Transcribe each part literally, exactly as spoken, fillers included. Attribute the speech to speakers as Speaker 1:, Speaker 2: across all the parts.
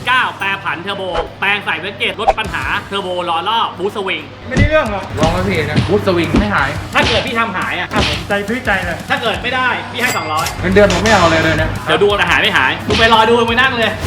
Speaker 1: เก้า แปรผันเทอร์โบแปลงใส่เวสเกตลดปัญหาเทอร์โบล้อรอบบูสต์สวิง
Speaker 2: ไม่ได้เรื่องหรอ
Speaker 3: ลองแล้วพี่นะบูสต์สวิงไม่หาย
Speaker 1: ถ้าเกิดพี่ทำหายอ่ะ
Speaker 2: ผมใจพื้นใจเลย
Speaker 1: ถ้าเกิดไม่ได้พี่ให้สองร้อย
Speaker 3: เงินเดือนผมไม่เอาเลยเลยนะ
Speaker 1: เดี๋ยวดูแต่หายไม่หายดูไปรอดูไปนั่งเลย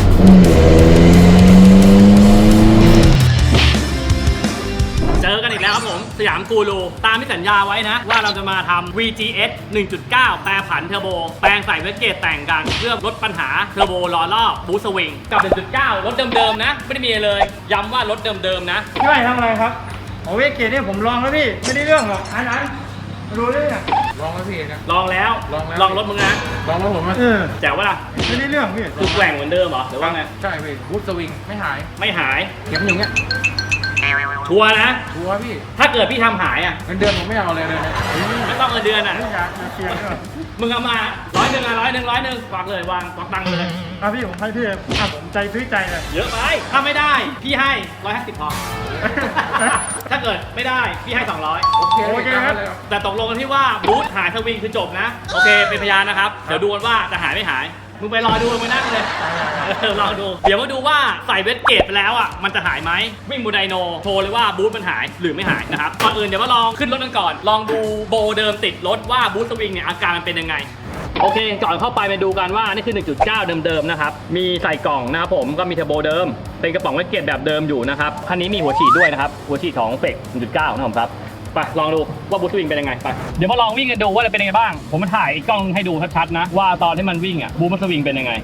Speaker 1: เจอกันอีกแล้วครับผมสยามกูรูตามที่สัญญาไว้นะว่าเราจะมาทำ วี จี เอส หนึ่งจุดเก้า แปรผันเทอร์โบแปลงใส่เวสเกตแต่งกันเพื่อลดปัญหาเทอร์โบล้อรอบบูสต์สวิงกับ หนึ่งจุดเก้า รถเดิมๆนะไม่ได้มีเลยย้ำว่ารถเดิมๆนะ
Speaker 2: พี่ไม่ทำอะไรครับโอเวเกตเนี่ยผมลองแล้วพี่ไม่ได้เรื่องหรอกอันนั้นรู้เลยเนี่ย
Speaker 3: ลองแล้วพี่นะ
Speaker 1: ลองแล้ว
Speaker 3: ลองแล้ว
Speaker 1: ลองรถมึงนะ
Speaker 3: ลองแล้วผม
Speaker 2: เออ
Speaker 1: แจ๋วว่าล่ะ
Speaker 2: ไม่ได้เรื่องพี่
Speaker 1: คือแกว่งเหมือนเดิมเหรอหรือว่าไง
Speaker 3: ใช่พี่บูสต์สวิงไม่หาย
Speaker 1: ไม่หาย
Speaker 3: เก็บอย่างเงี้ย
Speaker 1: ชัวร์นะ
Speaker 3: ชัวร์พี่
Speaker 1: ถ้าเกิดพี่ทำหายอ่ะ
Speaker 3: เงินเดือนผมไม่เอาเลยเลยนะ
Speaker 1: ไม่ต้องเงินเดือนอ่ะ
Speaker 2: ไม่อยากเสียด้วย
Speaker 1: มึงเอามาร้อยหนึ่งอ่ะร้อยหนึ่งร้อยหนึ่งฝากเลยวางฝากตังค์เลย
Speaker 2: อ่ะพี่ผมให้พี่อ่ะผมใจพื้นใจเลย
Speaker 1: เยอะไปถ้าไม่ได้พี่ให้ร้อยห้าสิบพอถ้าเกิดไม่ได้พี่ให้สองร้อย
Speaker 3: โอเค
Speaker 2: โอเคครับ
Speaker 1: แต่ตกลงกันที่ว่าบูทหายสวิงคือจบนะโอเคเป็นพยานนะครับเดี๋ยวดูกันว่าจะหายไม่หายมึงไปรอดูมึงนั่งเลยรอดูเดี๋ยวมาดูว่าใส่เวสเกตไปแล้วอ่ะมันจะหายไหมวิ่งบูไดโนโชว์เลยว่าบูทมันหายหรือไม่หายนะครับก่อนอื่นเดี๋ยวมาลองขึ้นรถกันก่อนลองดูโบเดิมติดรถว่าบูทสวิงเนี่ยอาการมันเป็นยังไงโอเคก่อนเข้าไปไปดูกันว่านี่คือ หนึ่งจุดเก้า เดิมๆนะครับมีใส่กล่องนะครับผมก็มีเทอร์โบเดิมเป็นกระป๋องเวสเกตแบบเดิมอยู่นะครับคันนี้มีหัวฉีดด้วยนะครับหัวฉีดของเฟก หนึ่งจุดเก้า นะครับครับไปลองดูว่าบูทสวิงเป็นยังไงไปเดี๋ยวมาลองวิ่งกันดูว่าจะเป็นยังไงบ้างผมมาถ่ายกล้องให้ดูชัดๆนะว่าตอนที่มันวิ่งอ่ะบูทมันสวิงเป็นยังไง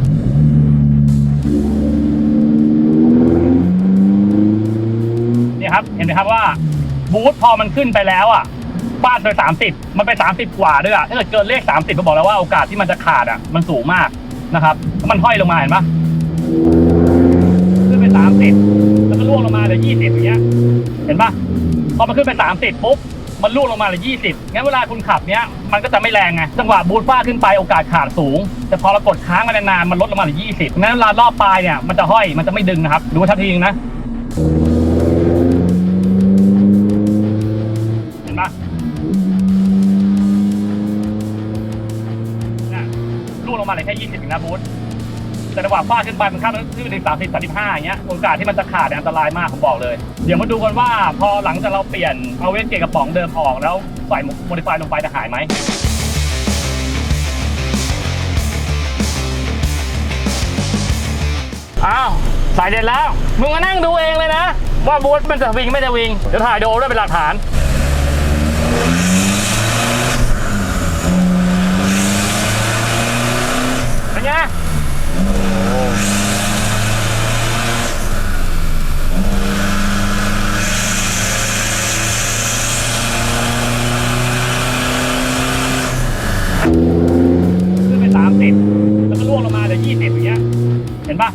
Speaker 1: นี่ครับเห็นไหมครับว่าบูทพอมันขึ้นไปแล้วอ่ะฟาดไปสามสิบมันไปสามสิบกว่าด้วยอ่ะถ้าเกิดเกินเลขสามสิบก็บอกแล้วว่าโอกาสที่มันจะขาดอ่ะมันสูงมากนะครับมันห้อยลงมาเห็นปะขึ้นไปสามสิบแล้วก็ล่วงลงมาเหลือยี่สิบอย่างเงี้ยเห็นปะพอมันขึ้นไปสามสิบปุ๊บมันล่วงลงมาเหลือยี่สิบงั้นเวลาคุณขับเนี้ยมันก็จะไม่แรงไงจังหวะบูทฟาดขึ้นไปโอกาสขาดสูงแต่พอเรากดค้างมานานๆมันลดลงมาเหลือยี่สิบงั้นเวลารอบปลายเนี่ยมันจะห้อยมันจะไม่ดึงนะครับดูชัดทีนึงนะเห็นปะล่วงลงมาเหลือแค่ยี่สิบนะบูทแต่จังหวะฟาดขึ้นไปมันข้ามขึ้นไปถึงสามสิบ สามสิบห้าอย่างเงี้ยโอกาสที่มันจะขาดอันตรายมากผมบอกเลยเดี๋ยวมาดูกันว่าพอหลังจากเราเปลี่ยนเอาเวสเกตกระป๋องเดิมออกแล้วใส่โมดิฟายลงไปจะหายไหมอ้าวใส่เสร็จแล้วมึงมานั่งดูเองเลยนะว่าบูทมันจะวิ่งไม่จะวิ่งเดี๋ยวถ่ายดูด้วยเป็นหลักฐานเป็นไงขึ้นไปสามสิบแล้วก็ล่วงลงมาเหลือยี่สิบอย่างเงี้ยเห็นปะ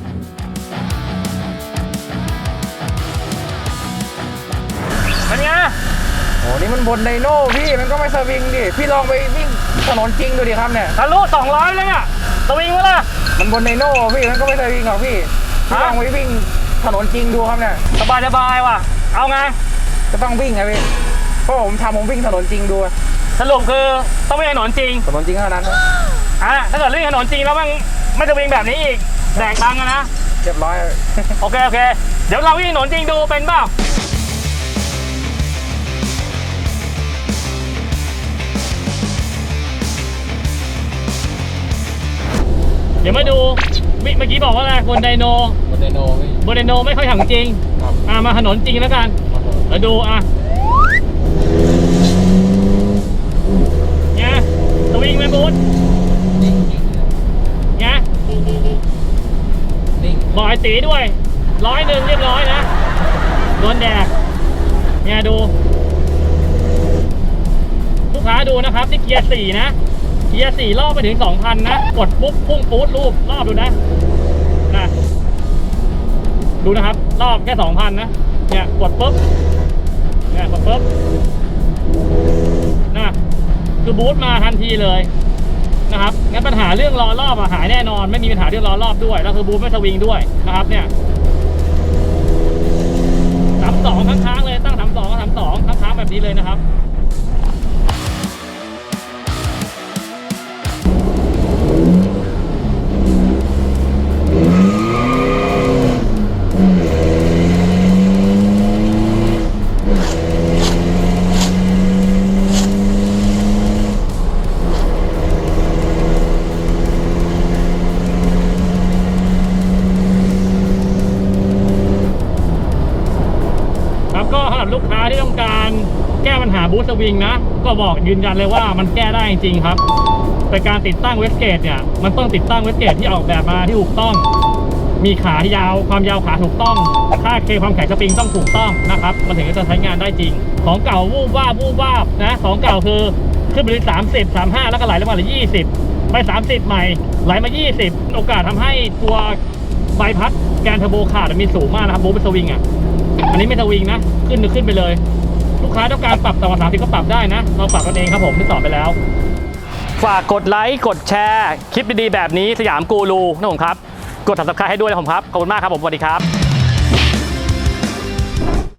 Speaker 1: เป็นไง
Speaker 3: โอ้นี่มันบนไดโน่พี่มันก็ไม่สวิงดิพี่ลองไปวิ่งถนนจริงดูดิครับเนี่ย
Speaker 1: ทะลุสองร้อยเลยอ่ะสวิงวะล่ะ
Speaker 3: มันบนไดโน่พี่มันก็ไม่สวิงหรอกพี่พี่ลองไปวิ่งถนนจริงดูครับเนี่ย
Speaker 1: สบายสบายว่ะเอาไง
Speaker 3: จะต้องวิ่งไงพี่เพราะผมทำผมวิ่งถนนจริงดู
Speaker 1: สรุปคือต้องวิ่งถนนจริง
Speaker 3: ถนนจริงเท่านั้น
Speaker 1: อ่ะถ้าเกิดวิ่งถนนจริงแล้วมันไม่จะวิ่งแบบนี้อีกแดกตังค์นะ
Speaker 3: เรียบร้อย
Speaker 1: โอเคโอเคเดี๋ยวเราวิ่งถนนจริงดูเป็นเปล่าเดี๋ยวมาดูเมื่อกี้บอกว่าอะไรบนไดโน
Speaker 3: บนไดโน
Speaker 1: บนไดโนไม่ค่อยทำจริงอ่ะมาถนนจริงแล้วกันแล้วดูอ่ะเนี่ยสวิงไหมบูทเนี่ยบอกไอ้ตีด้วยร้อยหนึ่งเรียบร้อยนะโดนแดดเนี่ยดูลูกค้าดูนะครับที่เกียร์สี่นะเกียร์สี่รอบไปถึง สองพัน นะกดปุ๊บพุ่งปู๊ดรูปรอบดูนะนะดูนะครับรอบแค่ สองพัน นะเนี่ยกดปุ๊บเนี่ยกดปุ๊บนะคือบูทมาทันทีเลยนะครับงั้นปัญหาเรื่องล้อรอบหายแน่นอนไม่มีปัญหาเรื่องล้อรอบด้วยแล้วคือบูทไม่สวิงด้วยนะครับเนี่ยสามสองค้างๆเลยตั้งสามสองสามสองค้างๆแบบนี้เลยนะครับาที่ต้องการแก้ปัญหาบูสต์สวิงนะก็บอกยืนยันเลยว่ามันแก้ได้จริงๆครับแต่การติดตั้งเวสเกตเนี่ยมันต้องติดตั้งเวสเกตที่ออกแบบมาที่ถูกต้องมีขายาวความยาวขาถูกต้องค่าเคความแข็งสปริงต้องถูกต้องนะครับมันถึงจะใช้งานได้จริงของเก่าวูบวาบวูบวาบนะของเก่าคือขึ้นไปที่สามสิบ สามสิบห้าแล้วก็ไหลลงมาเหลือยี่สิบไปสามสิบใหม่ไหลมายี่สิบโอกาสทำให้ตัวใบพัดแกนเทอร์โบขาดมีสูงมากนะครับบูสต์สวิงอ่ะอันนี้ไม่สวิงนะขึ้นขึ้นไปเลยลูกค้าต้องการปรับต่ำกว่าสามสิบก็ปรับได้นะเราปรับกันเองครับผมที่สอนไปแล้วฝากกดไลค์กดแชร์คลิปดีๆแบบนี้สยามกูรูนะผมครับกด ซับสไครบ์ ให้ด้วยนะผมครับขอบคุณมากครับผมสวัสดีครับ